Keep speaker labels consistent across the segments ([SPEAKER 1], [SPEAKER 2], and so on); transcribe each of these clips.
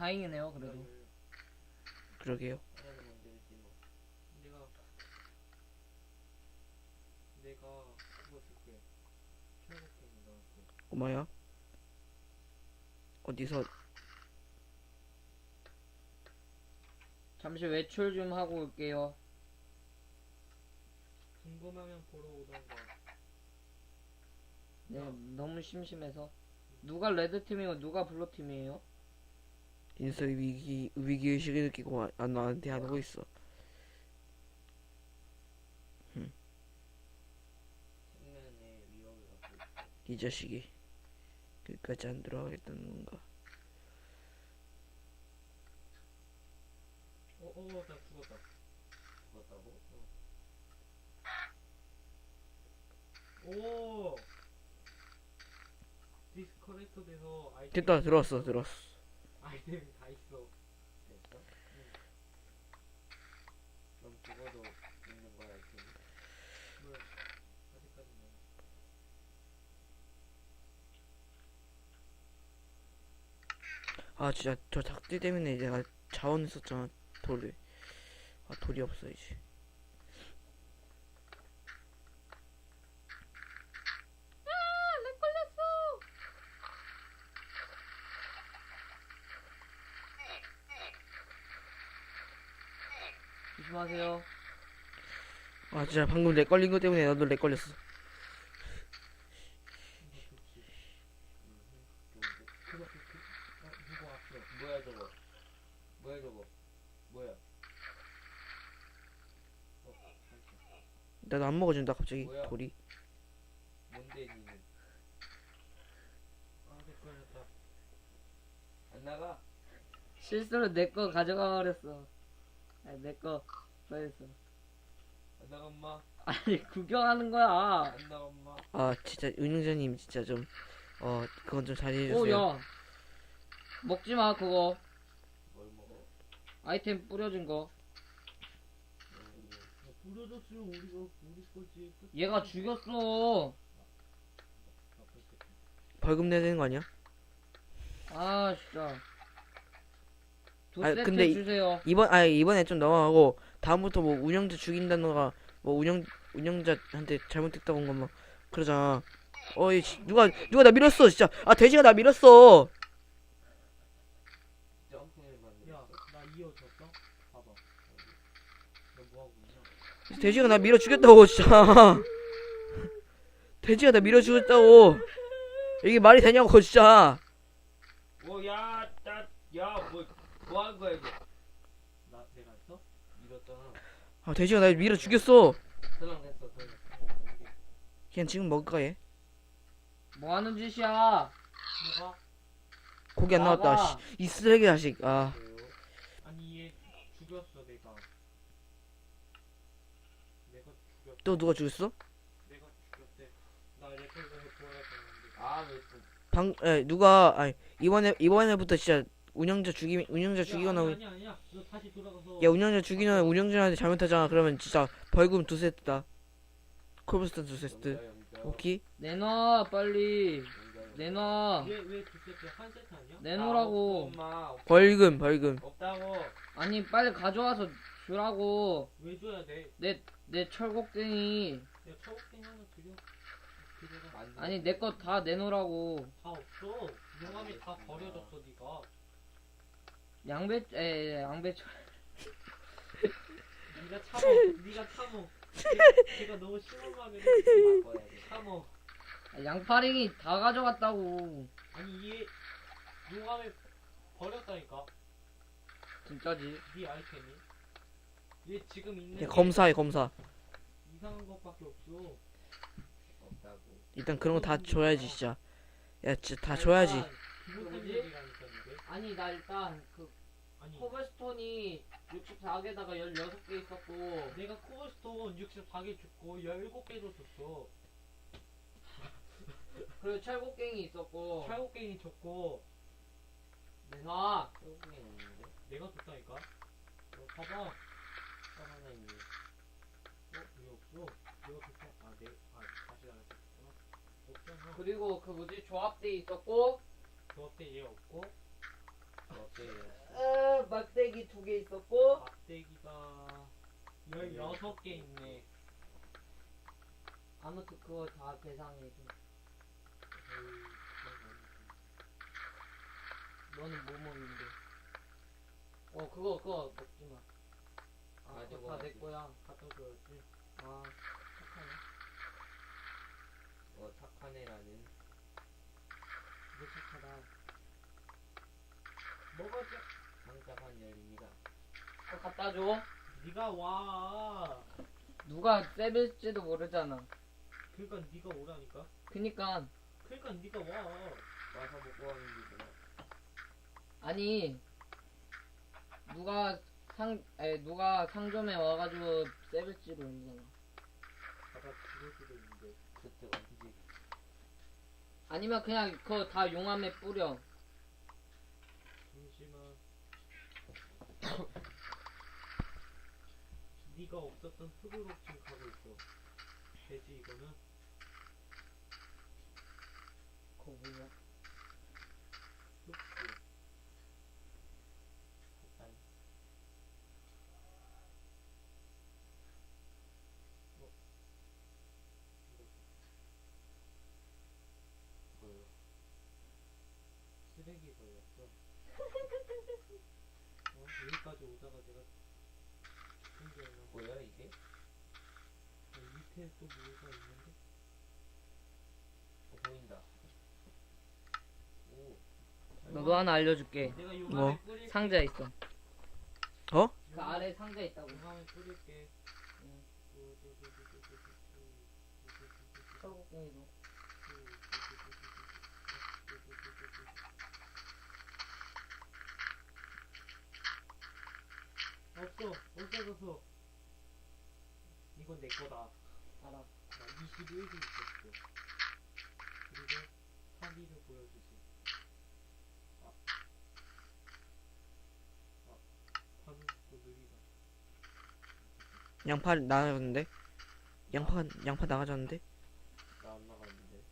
[SPEAKER 1] 다행이네요 그래도.
[SPEAKER 2] 그러게요.
[SPEAKER 3] 하나는 만들지 뭐. 내가 그거 줄게. 철곡갱이 넣을게.
[SPEAKER 2] 고마야. 어디서
[SPEAKER 1] 잠시 외출 좀 하고 올게요.
[SPEAKER 3] 궁금하면 보러 오던가.
[SPEAKER 1] 네, 너무 심심해서. 누가 레드 팀이고 누가 블루 팀이에요?
[SPEAKER 2] 인서 위기의식을 느끼고 나한테 하고 있어.
[SPEAKER 3] 생명의 위협을 갖고 있어.
[SPEAKER 2] 이 자식이 끝까지 안 들어가겠다는 건가?
[SPEAKER 3] 나 죽었다. 죽었다고? 오! 디스커넥터 돼서 아이템.
[SPEAKER 2] 됐다. 들어왔어.
[SPEAKER 3] 아이템이 다 있어. 됐어? 응. 그럼 죽어도 있는 거야, 아이템이? 뭘? 아직까지는.
[SPEAKER 2] 아 진짜 저 닭띠 때문에 내가 자원 썼잖아. 돌을. 아 돌이 없어 이제.
[SPEAKER 1] 조심하세요.
[SPEAKER 2] 아 진짜 방금 렉 걸린 거 때문에 나도 렉 걸렸어.
[SPEAKER 3] 그거 좋지. 누구 왔어? 뭐야 저거? 뭐야 저거? 뭐야? 잠시만.
[SPEAKER 2] 나도 안 먹어준다 갑자기
[SPEAKER 3] 뭐야?
[SPEAKER 2] 돌이.
[SPEAKER 3] 뭔데 니는? 내 걸렸다. 안 나가?
[SPEAKER 1] 실수로 내 거 가져가 버렸어. 아니 내거 버렸어.
[SPEAKER 3] 안 나가 엄마?
[SPEAKER 1] 아니 구경하는 거야.
[SPEAKER 3] 안 나가 엄마?
[SPEAKER 2] 아 진짜 은영자님 진짜 좀 그건 좀 자제해
[SPEAKER 1] 오
[SPEAKER 2] 주세요.
[SPEAKER 1] 야. 먹지 마 그거.
[SPEAKER 3] 뭘 먹어?
[SPEAKER 1] 아이템 뿌려진 거.
[SPEAKER 3] 부러졌으면 우리 거지.
[SPEAKER 1] 얘가 죽였어.
[SPEAKER 2] 벌금 내야 되는 거 아니야?
[SPEAKER 1] 아 진짜. 두
[SPEAKER 2] 아니,
[SPEAKER 1] 세트
[SPEAKER 2] 근데
[SPEAKER 1] 주세요.
[SPEAKER 2] 이번에 좀 넘어가고 다음부터 뭐 운영자 죽인다던가 뭐 운영자한테 잘못했다고 한 것만 그러잖아. 어이 누가 나 밀었어 진짜. 아 돼지가 나 밀었어.
[SPEAKER 3] 점프를 만들어. 야, 나 이어졌어? 봐봐. 너 뭐하고 있냐?
[SPEAKER 2] 돼지가 나 밀어 죽였다고 진짜. 돼지가 나 밀어 죽였다고. 이게 말이 되냐고 진짜.
[SPEAKER 3] 뭐 하는 거야 이거? 내가 했어? 밀었잖아.
[SPEAKER 2] 아 돼지가 나 밀어 죽였어.
[SPEAKER 3] 설렁했어.
[SPEAKER 2] 그냥 지금 먹을까 얘?
[SPEAKER 1] 뭐 하는 짓이야?
[SPEAKER 3] 뭐가?
[SPEAKER 2] 고기 안 나왔다.
[SPEAKER 1] 나가.
[SPEAKER 2] 씨, 이 쓰레기 자식. 아
[SPEAKER 3] 아니 얘 죽였어 내가. 내가 죽였어.
[SPEAKER 2] 또 누가 죽였어?
[SPEAKER 3] 내가 죽였대. 나 레코드에 보여야 되는데. 왜 또?
[SPEAKER 2] 누가 이번에부터 진짜 운영자 죽이거나
[SPEAKER 3] 아니야. 너 다시 돌아가서.
[SPEAKER 2] 야 운영자 죽이거나 운영자한테 잘못하잖아. 그러면 진짜 벌금 2세트다. 콜브스턴 2세트. 오케이?
[SPEAKER 1] 내놔 빨리. 내놔.
[SPEAKER 3] 왜두 세트? 한 세트 아니야?
[SPEAKER 1] 내놓으라고.
[SPEAKER 3] 엄마
[SPEAKER 2] 벌금.
[SPEAKER 3] 없다고.
[SPEAKER 1] 아니 빨리 가져와서 주라고.
[SPEAKER 3] 왜 줘야 돼?
[SPEAKER 1] 내 철곡갱이.
[SPEAKER 3] 야 초록색 하나 드려라.
[SPEAKER 1] 아니 내 거 다 내놓으라고.
[SPEAKER 3] 다 없어. 용암이 다 버려졌어 니가.
[SPEAKER 1] 양배철.
[SPEAKER 3] 니가 참어. 걔가 너무 심한 말을 해. 참어.
[SPEAKER 1] 양파링이 다 가져갔다고.
[SPEAKER 3] 아니 얘 용암에 버렸다니까.
[SPEAKER 1] 진짜지.
[SPEAKER 3] 네 아이템이. 얘 지금 있는
[SPEAKER 2] 야
[SPEAKER 3] 게
[SPEAKER 2] 검사.
[SPEAKER 3] 이상한 것밖에 없어. 없다고.
[SPEAKER 2] 일단 그런 거 다 줘야지 진짜. 야 진짜 다 줘야지.
[SPEAKER 3] 기본
[SPEAKER 1] 뭐지?
[SPEAKER 3] 템들이라니까 이게.
[SPEAKER 1] 아니 나 일단 그
[SPEAKER 3] 아니
[SPEAKER 1] 코블스톤이 64개다가 16개 있었고.
[SPEAKER 3] 내가 코블스톤 64개 줬고 17개 줬었어.
[SPEAKER 1] 그리고 철곡갱이 있었고.
[SPEAKER 3] 철곡갱이 줬고
[SPEAKER 1] 내놔.
[SPEAKER 3] 철곡갱이 없는데? 내가 줬다니까? 봐봐. 하나 있네. 왜 없어? 내가 줬어. 다시 나갔었구나. 없잖아.
[SPEAKER 1] 그리고 그 뭐지 조합대 있었고.
[SPEAKER 3] 조합대 얘 없고. 조합대 얘
[SPEAKER 1] 막대기 2개 있었고
[SPEAKER 3] 막대기가 16개 있네.
[SPEAKER 1] 아무튼 그거 다 계산해줘.
[SPEAKER 3] 에이,
[SPEAKER 1] 너는 뭐 먹는데? 그거 먹지 마. 아,
[SPEAKER 3] 가지고
[SPEAKER 1] 그거 다 내
[SPEAKER 3] 와야지.
[SPEAKER 1] 거야.
[SPEAKER 3] 갖다 줘야지.
[SPEAKER 1] 아, 착하네.
[SPEAKER 3] 착한 애라는.
[SPEAKER 1] 너 착하다.
[SPEAKER 3] 먹어줘. 상자판 열립니다.
[SPEAKER 1] 갖다 줘.
[SPEAKER 3] 네가 와.
[SPEAKER 1] 누가 세빌지도 모르잖아.
[SPEAKER 3] 그러니까 네가 오라니까.
[SPEAKER 1] 그니까
[SPEAKER 3] 그러니까 네가 와. 와서 먹고 가는 거구나.
[SPEAKER 1] 아니 누가 상점에 와가지고 세빌지도 모르잖아.
[SPEAKER 3] 가다 죽을 수도 있는데. 그때 어디지?
[SPEAKER 1] 아니면 그냥 그거 다 용암에 뿌려.
[SPEAKER 3] 잠시만. 네가 없었던 흙으로 지금 가고 있어. 되지 이거는?
[SPEAKER 1] 그거 뭐야?
[SPEAKER 3] 흙수. 잠깐. 뭐요? 쓰레기 걸렸어. 여기까지 오다가 내가 생겼나? 뭐야 이게? 밑에 또 뭐가 있는데? 보인다. 오.
[SPEAKER 1] 너도 하나 알려줄게.
[SPEAKER 3] 내가
[SPEAKER 2] 뭐?
[SPEAKER 3] 용암에 뿌릴게.
[SPEAKER 1] 상자 있어.
[SPEAKER 2] 어?
[SPEAKER 1] 그 아래 상자 있다고.
[SPEAKER 3] 용암에 뿌릴게.
[SPEAKER 1] 응.
[SPEAKER 3] 오,
[SPEAKER 1] 철곡궁이도.
[SPEAKER 3] 없어. 없어졌어. 이건 내 거다.
[SPEAKER 1] 알아.
[SPEAKER 3] 나 21개 있었어. 그리고 3위를 보여주지. 반응 또 느리다.
[SPEAKER 2] 양파 나가졌는데? 양파 나가졌는데?
[SPEAKER 3] 나 안 나갔는데.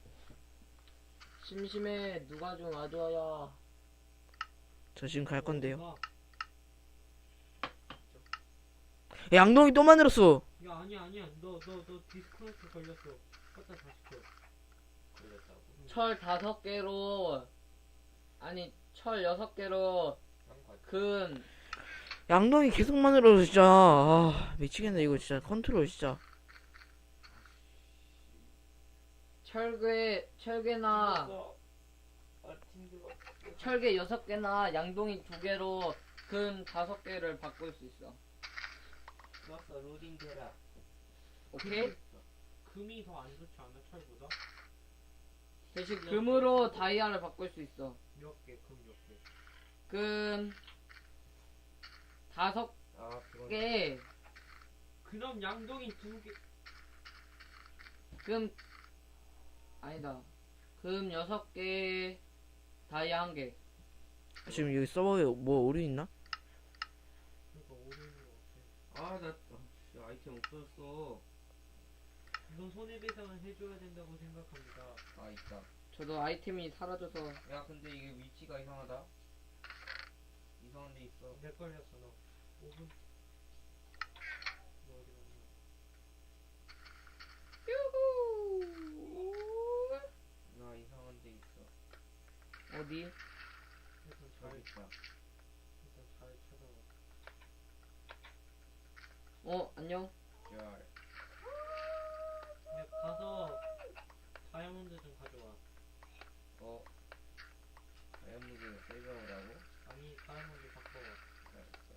[SPEAKER 1] 심심해. 누가 좀 와줘야.
[SPEAKER 2] 저 지금 갈 건데요.
[SPEAKER 3] 어디가?
[SPEAKER 2] 야, 양동이 또 만들었어.
[SPEAKER 3] 야 아니야. 너 디스커넥트 걸렸어. 갖다 다시 켜. 걸렸다고?
[SPEAKER 1] 철 5개로 아니 철 6개로 금
[SPEAKER 2] 양동이 계속 만들어서 진짜 미치겠네 이거 진짜 컨트롤 진짜.
[SPEAKER 1] 철개나
[SPEAKER 3] 힘들어.
[SPEAKER 1] 철개 6개나 양동이 2개로 금 5개를 바꿀 수 있어.
[SPEAKER 3] 좋았어. 로딩 되라.
[SPEAKER 1] 오케이?
[SPEAKER 3] 금이 더 안 좋지 않아 철보다?
[SPEAKER 1] 대신 금으로 다이아를 바꿀 수 있어.
[SPEAKER 3] 몇 개? 금 몇 개?
[SPEAKER 1] 금 5개,
[SPEAKER 3] 그럼 양동이 2개.
[SPEAKER 1] 금 아니다. 금 6개, 다이아 1개.
[SPEAKER 2] 지금 여기 서버에 뭐 오류 있나?
[SPEAKER 3] 그러니까 오르는 거 같아. 나 아이템 없어졌어. 이건 손해배상을 해줘야 된다고 생각합니다. 있다.
[SPEAKER 1] 저도 아이템이 사라져서
[SPEAKER 4] 야 근데 이게 위치가 이상하다. 이상한 데 있어.
[SPEAKER 3] 내 걸렸어 너. 5분. 너 어디 갔냐?
[SPEAKER 4] 나 이상한 데 있어.
[SPEAKER 1] 어디?
[SPEAKER 3] 일단
[SPEAKER 4] 저기 있다.
[SPEAKER 3] 잘 찾아와.
[SPEAKER 1] 안녕.
[SPEAKER 4] 별.
[SPEAKER 3] 야 가서 다이아몬드 좀 가져와.
[SPEAKER 4] 다이아몬드 세이버라고?
[SPEAKER 3] 아니 다이아몬드 바꿔와.
[SPEAKER 4] 알았어.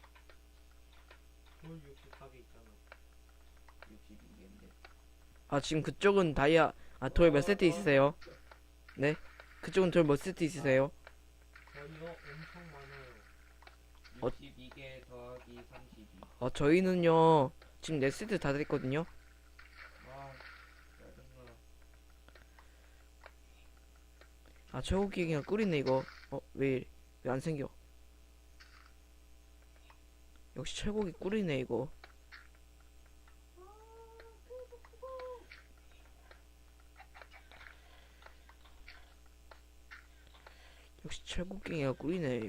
[SPEAKER 3] 돌 64개 있잖아.
[SPEAKER 4] 62개인데.
[SPEAKER 2] 지금 그쪽은 다이아 돌 몇 세트 있으세요? 네? 그쪽은 돌 몇 세트 있으세요?
[SPEAKER 3] 저희가 엄청 많아요.
[SPEAKER 4] 62개 더하기 32.
[SPEAKER 2] 저희는요 지금 4세트 다 됐거든요.
[SPEAKER 4] 짜증나.
[SPEAKER 2] 최고 기획이가 꿀이네 이거. 왜 안 생겨? 역시 철곡이 꿀이네 이거. 역시 철곡갱이가 꿀이네.